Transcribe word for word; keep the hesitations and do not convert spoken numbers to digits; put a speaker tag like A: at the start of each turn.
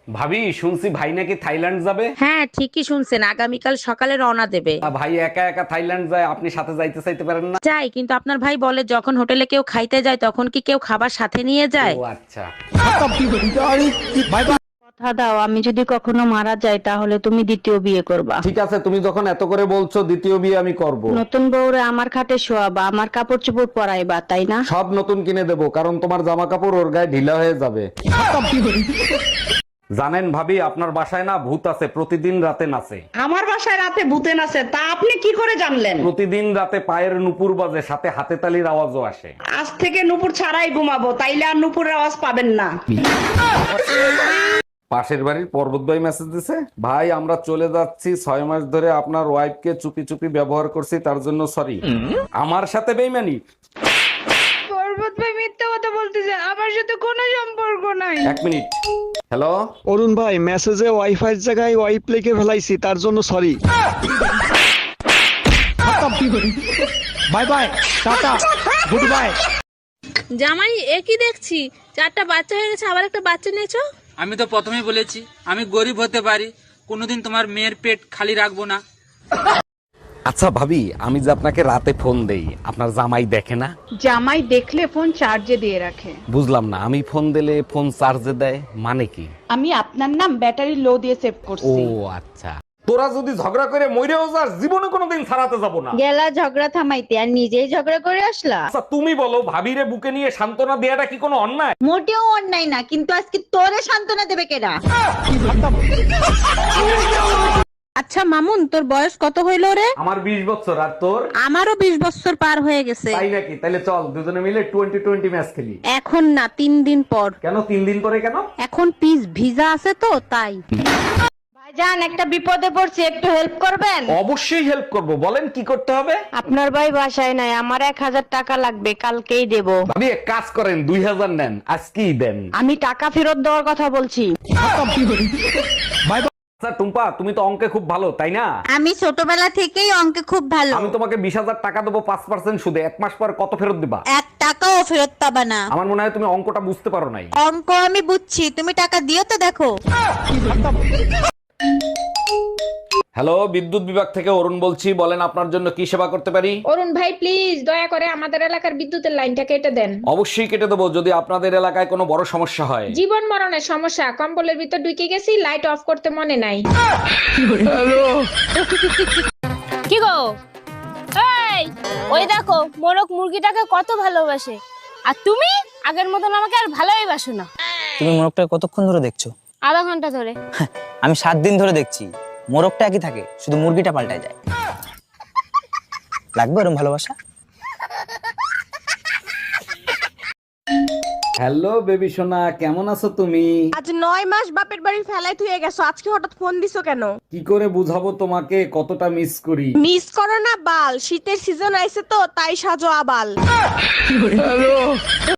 A: ভাবি শুনছি ভাই নাকি থাইল্যান্ড যাবে।
B: হ্যাঁ ঠিকই শুনছেন, আগামীকাল সকালে রওনা দেবে।
A: তা ভাই একা একা থাইল্যান্ড যায়, আপনি সাথে যাইতে চাইতে পারেন না?
B: যাই, কিন্তু আপনার ভাই বলে যখন হোটেলে কেউ খাইতে যায় তখন কি কেউ খাবার সাথে নিয়ে যায়?
A: ও আচ্ছা।
C: কথা দাও, আমি যদি কখনো মারা যাই তাহলে তুমি দ্বিতীয় বিয়ে করবা।
A: ঠিক আছে, তুমি যখন এত করে বলছো দ্বিতীয় বিয়ে আমি করব।
C: নতুন বউরে আমার খাটে শোয়াবা, আমার কাপড় চোপড় পরাইবা, তাই না?
A: সব নতুন কিনে দেবো, কারণ তোমার জামা কাপড় ওর গায়ে ঢিলা হয়ে যাবে। জানেন ভাবি, আপনার বাসায় না ভূত আছে, প্রতিদিন রাতে নাচে।
D: আমার বাসায় রাতে ভূতে নাচে, তা আপনি কি করে জানলেন?
A: প্রতিদিন রাতে পায়ের নুপুর বাজে, সাথে হাতে তালির আওয়াজও আসে।
D: আজ থেকে নুপুর ছাড়াই ঘুমাবো, তাইলে আর নুপুরের আওয়াজ পাবেন না।
A: পাশের বাড়ির পর্বত ভাই মেসেজ দিছে, ভাই আমরা চলে যাচ্ছি, ছয় মাস ধরে আপনার ওয়াইফকে চুপি চুপি ব্যবহার করছি, তার জন্য সরি। আমার সাথে বেইমানি?
E: পর্বত ভাই মিথ্যা কথা বলতেছে, আমার সাথে কোনো সম্পর্ক নাই।
A: এক মিনিট। হ্যালো,
F: অরুণ ভাই, মেসেজে ওয়াইফাই এর জায়গায় ওয়াইপ লিখে ফেলাইছি, তার জন্য sorry. Bye bye, tata, goodbye.
G: জামাই একই দেখছি, চারটা বাচ্চা হয়ে গেছে, আবার একটা বাচ্চা নিয়েছো।
H: আমি তো প্রথমেই বলেছি আমি গরিব হতে পারি, কোনোদিন তোমার মেয়ের পেট খালি রাখবো না।
A: আচ্ছা ভাবি, আমি যে আপনাকে রাতে ফোন দেই, আপনার জামাই দেখে না?
E: জামাই দেখলে ফোন চার্জে দিয়ে রাখে।
A: বুঝলাম না, আমি ফোন দিলে ফোন চার্জে দেয় মানে কি?
E: আমি আপনার নাম ব্যাটারি লো দিয়ে সেভ
A: ও
E: করছি।
A: আচ্ছা। তোরা যদি ঝগড়া করে মইরেও যাস, জীবনে কোনোদিন ছাড়াতে যাব না।
C: গেলা ঝগড়া থামাইতে আর নিজেই ঝগড়া করে আসলা।
A: আচ্ছা তুমি বলো, ভাবিরে বুকে নিয়ে সান্ত্বনা দেয়াটা কি কোনো অন্যায়?
C: মোটেও অন্যায় না, কিন্তু আজকে তোরে সান্ত্বনা দেবে কেডা?
B: আচ্ছা মামুন, তোর বয়স কত হইলো রে?
A: আমার বিশ বছর, আর তোর?
B: আমারও বিশ বছর পার হয়ে গেছে।
A: তাই নাকি? তাহলে চল দুজনে মিলে টোয়েন্টি টোয়েন্টি ম্যাচ খেলি।
B: এখন না, তিন দিন পর।
A: কেন তিন দিন পরে কেন?
B: এখন পিস ভিজা আছে তো তাই।
C: ভাইজান, একটা বিপদে পড়ছি, একটু হেল্প করবেন?
A: অবশ্যই হেল্প করব, বলেন কি করতে হবে?
C: আপনার ভাই বাসায় নাই, আমার এক হাজার টাকা লাগবে, কালকেই দেব।
A: ভাবি এক কাজ করেন, দুই হাজার নেন, আজকেই দেন।
C: আমি টাকা ফেরত দেওয়ার কথা বলছি।
A: আচ্ছা টুম্পা, তুমি তো অঙ্কে খুব ভালো তাই না?
B: আমি ছোটবেলা থেকেই অঙ্কে খুব ভালো।
A: আমি তোমাকে বিশ হাজার টাকা দেবো পাঁচ পার্সেন্ট সুদে, এক মাস পর কত ফেরত দিবা?
B: এক টাকাও ফেরত পাবা না।
A: আমার মনে হয় তুমি অঙ্কটা বুঝতে পারো নাই।
B: অঙ্ক আমি বুঝছি, তুমি টাকা দিও তো দেখো।
A: হ্যালো, বিদ্যুৎ বিভাগ থেকে অরুণ বলছি, বলেন আপনার জন্য কি সেবা করতে পারি?
E: অরুণ ভাই প্লিজ দয়া করে আমাদের এলাকার বিদ্যুতের লাইনটা কেটে দেন।
A: অবশ্যই কেটে দেবো, যদি আপনাদের এলাকায় কোনো বড় সমস্যা হয়।
E: জীবন মরণের সমস্যা, কম্বলের ভিতর ঢুকে গেছি, লাইট অফ করতে মনে নাই।
G: কি গো, এই ওই দেখো মোরক মুরগিটাকে কত ভালোবাসে, আর তুমি আগের মতন আমাকে আর ভালোই বাসো না।
I: তুমি মোরগটা কতক্ষণ ধরে দেখছো?
G: আধা ঘন্টা ধরে।
I: আমি সাত দিন ধরে দেখছি, মোরগটা একই থাকে, শুধু মুরগিটা পাল্টায় যায়। লাগবে এরকম ভালোবাসা?
A: হ্যালো বেবি সোনা, কেমন আছো তুমি?
E: আজ নয় মাস বাপের বাড়ি ফেলাই থুয়ে গেছো, আজকে হঠাৎ ফোন দিছো কেন?
A: কি করে বুঝাবো তোমাকে কতটা মিস করি?
E: মিস করো না বাল, শীতের সিজন আইছে তো তাই সাজো আবাল।